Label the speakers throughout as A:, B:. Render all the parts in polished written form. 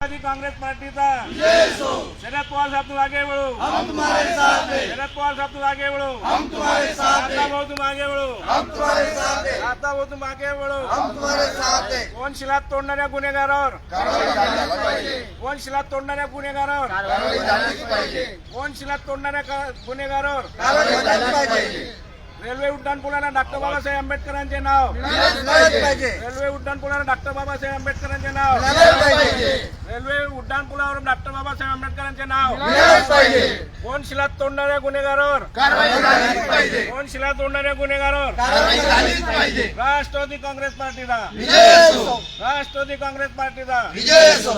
A: Congress party का शरद पवार साहब तुम आगे बढ़ो,
B: हम तुम्हारे साथ हैं।
A: शरद पवार साहब तुम आगे बढ़ो,
B: हम तुम्हारे साथ हैं।
A: आता बहु तुम आगे बढ़ो,
B: हम तुम्हारे साथ हैं।
A: आता बहु तुम आगे बढ़ो।
B: हम तुम्हारे साथ हैं।
A: कोण शिला तोडणाऱ्या गुन्हेगारावर
B: कारवाई झालीच पाहिजे।
A: कोण शिला तोडणाऱ्या गुन्हेगारावर
B: कारवाई झालीच पाहिजे।
A: कोण शिला तोडणाऱ्या गुन्हेगारावर
B: कारवाई झालीच पाहिजे।
A: रेल्वे उड्डाणपुलाला डॉक्टर बाबासाहेब आंबेडकरांचे नाव,
B: मिळालंच पाहिजे।
A: रेल्वे उड्डाणपुलाला डॉक्टर बाबासाहेब आंबेडकरांचे नाव,
B: मिळालंच पाहिजे।
A: रेल्वे उड्डाणपुलावर डॉक्टर बाबासाहेब आंबेडकरांचे नाव।
B: मिळालंच पाहिजे।
A: कोण शिला तोडणाऱ्या गुन्हेगारावर
B: कारवाई झालीच पाहिजे।
A: कोण शिला तोडणाऱ्या गुन्हेगारावर
B: कारवाई झालीच पाहिजे।
A: राष्ट्रवादी काँग्रेस पार्टीचा
B: विजय असो।
A: राष्ट्रवादी काँग्रेस पार्टीचा
B: विजय असो।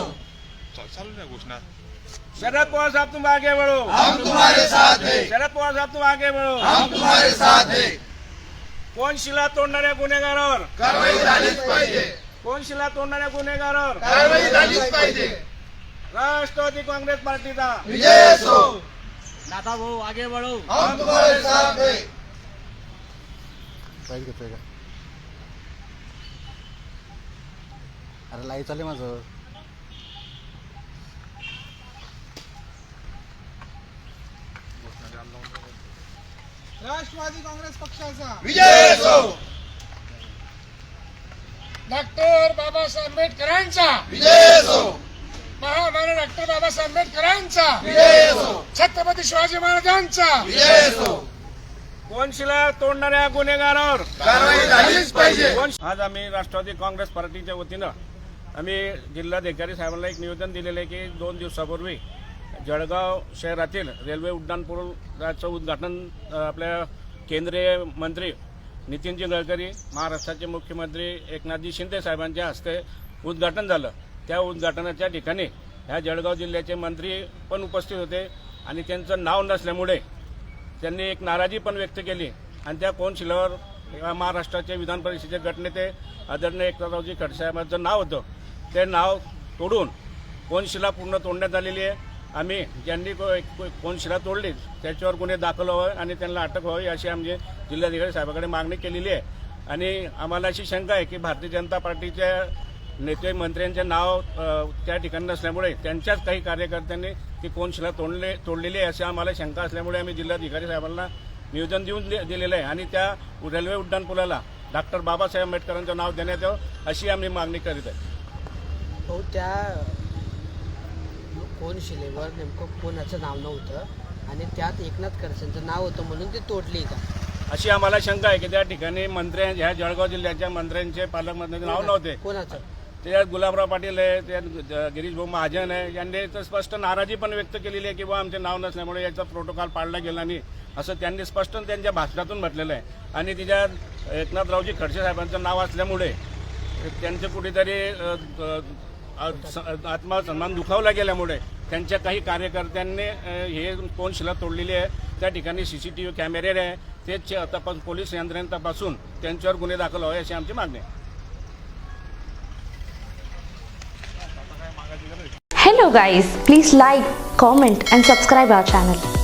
A: शरद पवार साहब तुम आगे बढ़ो,
B: हम तुम्हारे साथ हैं।
A: शरद पवार साहब तुम आगे बढ़ो।
B: हम तुम्हारे साथ हैं।
A: कोण शिला तोडणाऱ्या गुन्हेगारावर
B: कारवाई झालीच पाहिजे।
A: कोण शिला तोडणाऱ्या गुन्हेगारावर
B: कारवाई झालीच पाहिजे।
A: राष्ट्रवादी काँग्रेस पार्टीचा
B: विजय असो।
A: दादा भाऊ आगे बढ़ो।
B: हम तुम्हारे साथ हैं।
C: अरे लाईव्ह चालू आहे माझं.
D: राष्ट्रवादी काँग्रेस पक्षाचा
B: विजय असो।
D: डॉक्टर बाबासाहेब आंबेडकरांचा
B: विजय असो।
D: महामानव डॉक्टर बाबासाहेब आंबेडकरांचा
B: विजय असो।
D: छत्रपती शिवाजी महाराजांचा
B: विजय असो।
A: कोण शिला तोडणाऱ्या गुन्हेगारावर
B: कारवाई झालीच पाहिजे।
A: आज आम्ही राष्ट्रवादी काँग्रेस पार्टीच्या वतीनं आम्ही जिल्हाधिकारी साहेबांना एक निवेदन दिलेलं आहे की 2 दिवसापूर्वी जळगाव शहरातील रेल्वे उड्डाणपुलाचं उद्घाटन आपल्या केंद्रीय मंत्री नितीनजी गडकरी, महाराष्ट्राचे मुख्यमंत्री एकनाथजी शिंदे साहेबांच्या हस्ते उद्घाटन झालं. त्या उद्घाटनाच्या ठिकाणी ह्या जळगाव जिल्ह्याचे मंत्री पण उपस्थित होते आणि त्यांचं नाव नसल्यामुळे त्यांनी एक नाराजी पण व्यक्त केली आणि त्या कोनशिलावर महाराष्ट्राचे विधान परिषदेचे गटनेते आदरणीय एकनाथरावजी खडसेसाहेबांचं नाव होतं. ते नाव तोडून कोनशिला पूर्ण तोडण्यात आलेली आहे. आम्ही ज्यांनी कोनशिला तोडली त्याच्यावर गुन्हे दाखल व्हावे आणि त्यांना अटक व्हावी अशी आमची जिल्हाधिकारी साहेबांकडे मागणी केलेली आहे. आणि आम्हाला अशी शंका आहे की भारतीय जनता पार्टीच्या नेते मंत्र्यांचे नाव त्या ठिकाणी नसल्यामुळे त्यांच्याच काही कार्यकर्त्यांनी ती कोनशिला तोडलेली आहे अशी आम्हाला शंका असल्यामुळे आम्ही जिल्हाधिकारी साहेबांना निवेदन देऊन दिलेलं आहे आणि त्या रेल्वे उड्डाणपुलाला डॉक्टर बाबासाहेब आंबेडकरांचं नाव देण्यात यावं अशी आम्ही मागणी करीत आहे.
E: हो, त्या कोनशिलेवर नेमकं कोणाचं नाव नव्हतं आणि त्यात एकनाथ खडसेंचं नाव होतं म्हणून ते तोडली का
A: अशी आम्हाला शंका आहे की त्या ठिकाणी ह्या जळगाव जिल्ह्याच्या मंत्र्यांचे पालकमंत्र्यांचे नाव नव्हते.
E: कोणाचं?
A: त्यात गुलाबराव पाटील आहे, त्यात गिरीश भाऊ महाजन आहे, यांनी तर स्पष्ट नाराजी पण व्यक्त केलेली आहे की बा आमचे नाव नसल्यामुळे याचा प्रोटोकॉल पाळला गेला नाही असं त्यांनी स्पष्ट त्यांच्या भाषणातून म्हटलेलं आहे. आणि तिच्यात एकनाथरावजी खडसे साहेबांचं नाव असल्यामुळे त्यांचे कुठेतरी आत्मसन्मान दुखावला गेल्यामुळे त्यांच्या काही कार्यकर्त्यांनी हे कोनशिला तोडलेली आहे. त्या ठिकाणी CCTV कॅमेरे आहे, ते तपास पोलीस यंत्रणेने तपासून त्यांच्यावर गुन्हे दाखल व्हावे अशी आमची मागणी आहे.
F: Hello guys, please like, comment and subscribe our channel.